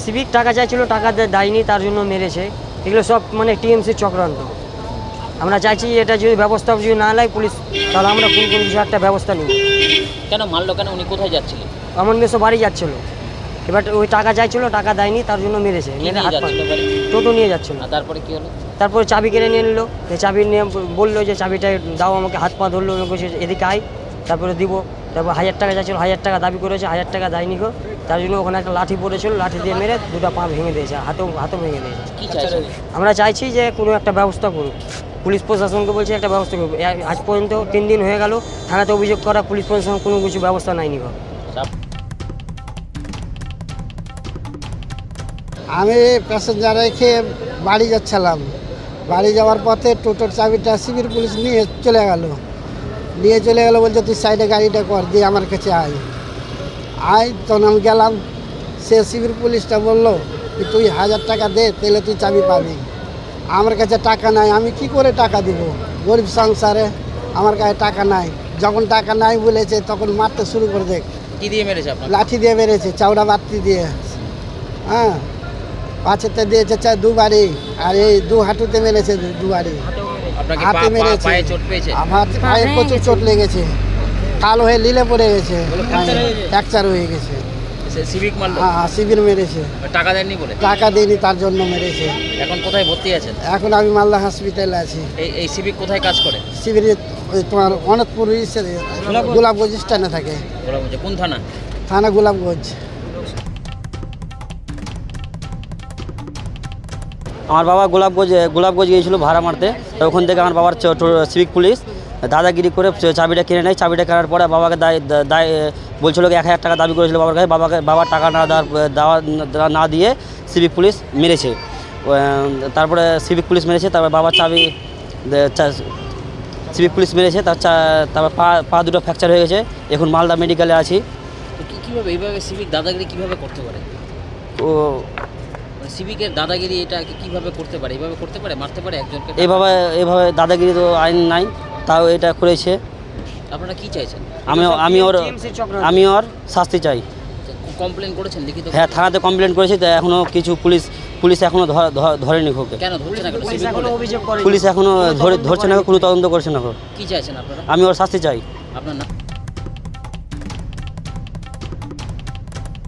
Civic টাকা চাইছিল, টাকা দেয়নি, তার জন্য মেরেছে। এগুলো সব মানে টিএমসির চক্রান্ত। আমরা চাইছি এটা যদি ব্যবস্থা যদি না নেয় পুলিশ, তাহলে আমরা কোন কিছু একটা ব্যবস্থা নিব। কেন মারলো কেন? উনি কোথায় যাচ্ছিলেন? আমার মেসো বাড়ি যাচ্ছিল, এবার ওই টাকা চাইছিল, টাকা দেয়নি, তার জন্য মেরেছে। মেরে হাত পা টোটো নিয়ে যাচ্ছিল। তারপরে কি হলো? তারপরে চাবি কেড়ে নিয়ে নিল। চাবি নিয়ে বললো যে চাবিটা দাও আমাকে, হাত পা ধরলো, এদিকে আয়, তারপরে দিব। তারপর 1000 টাকা চাইছিল, 1000 টাকা দাবি করেছে, 1000 টাকা দেয়নি গো। তার জন্য ওখানে একটা লাঠি পড়েছিল, লাঠি দিয়ে মেরে দুটো পা ভেঙে দিয়েছে, হাতও ভেঙে দিয়েছে। কি চাইছেন? আমরা চাইছি যে কোনো একটা ব্যবস্থা করুক, পুলিশ প্রশাসনকে বলছি একটা ব্যবস্থা করুক। আজ পর্যন্ত 3 দিন হয়ে গেল থানাতে অভিযোগ করা, পুলিশ প্রশাসন কোনো কিছু ব্যবস্থা নেয়নি গো। আমি প্যাসেঞ্জার রেখে বাড়ি যাচ্ছিলাম। বাড়ি যাওয়ার পথে টোটোর চাবিটা সিভিল পুলিশ নিয়ে চলে গেল। বলছে তুই সাইডে গাড়িটা কর, দিয়ে আমার কাছে আয়। তখন আমি গেলাম। সে সিভিল পুলিশটা বললো তুই 1000 টাকা দে, তাহলে তুই চাবি পাবি। আমার কাছে টাকা নাই, আমি কি করে টাকা দিব? গরিব সংসারে আমার কাছে টাকা নাই। যখন টাকা নাই বলেছে তখন মারতে শুরু করে দেখ। কি দিয়ে মেরেছে আপনার? লাঠি দিয়ে মেরেছে, চাউড়া বাতি দিয়ে। হ্যাঁ, পাঁচেতে দিয়েছে 2 বাড়ি, আর এই 2 হাঁটুতে মেরেছে 2 বাড়ি। আপনাকে হাতে মেরেছে, পায়ে চোট পেয়েছে? আমার পায়ে প্রচুর চোট লেগেছে, কালো হয়ে লীলে পড়ে গেছে, ফ্র্যাকচার হয়ে গেছে। সিভিক মারলো? হ্যাঁ, সিভিল মেরেছে। টাকা দেননি বলে? টাকা দেয়নি, তার জন্য মেরেছে। এখন কোথায় ভর্তি আছেন? এখন আমি মালদা হসপিটালে আছি। এই সিভিক কোথায় কাজ করে? সিভিল তোমার অনদপুর গোলাপগঞ্জ স্ট্যান্ডে থাকে। কোন থানা? থানা গোলাপগঞ্জ। আমার বাবা গোলাপগঞ্জ গিয়েছিল ভাড়া মারতে। ওখান থেকে আমার বাবার সিভিক পুলিশ দাদাগিরি করে চাবিটা কিনে নেয়। চাবিটা কেনার পরে বাবাকে দায় বলছিল 1000 টাকা দাবি করেছিল বাবার কাছে। বাবার টাকা না দিয়ে সিভিক পুলিশ মেরেছে। তারপরে সিভিক পুলিশ মেরেছে, তারপরে বাবার চাবি সিভিক পুলিশ মেরেছে। তারপর পা দুটো ফ্র্যাকচার হয়ে গেছে। এখন মালদা মেডিকেলে আছি। কীভাবে এইভাবে সিভিক দাদাগিরি কীভাবে করতে পারে? ও সিভিকের দাদাগিরি এটা কীভাবে করতে পারে? এইভাবে করতে পারে, মারতে পারে একজনকে? এভাবে দাদাগিরি তো আইন নাই, তাও এটা করেছে। আপনারা কি চাইছেন? আমি ওর শাস্তি চাই। কমপ্লেন করেছেন লিখিত? হ্যাঁ, থানাতে কমপ্লেন করেছি। তো এখনও কিছু পুলিশ এখনও ধরেনি ওকে। কেন ধরছে না? পুলিশ এখনও ধরছে না, কোনো তদন্ত করছে না। কি চাইছেন আপনারা? আমি ওর শাস্তি চাই। আপনার নাম?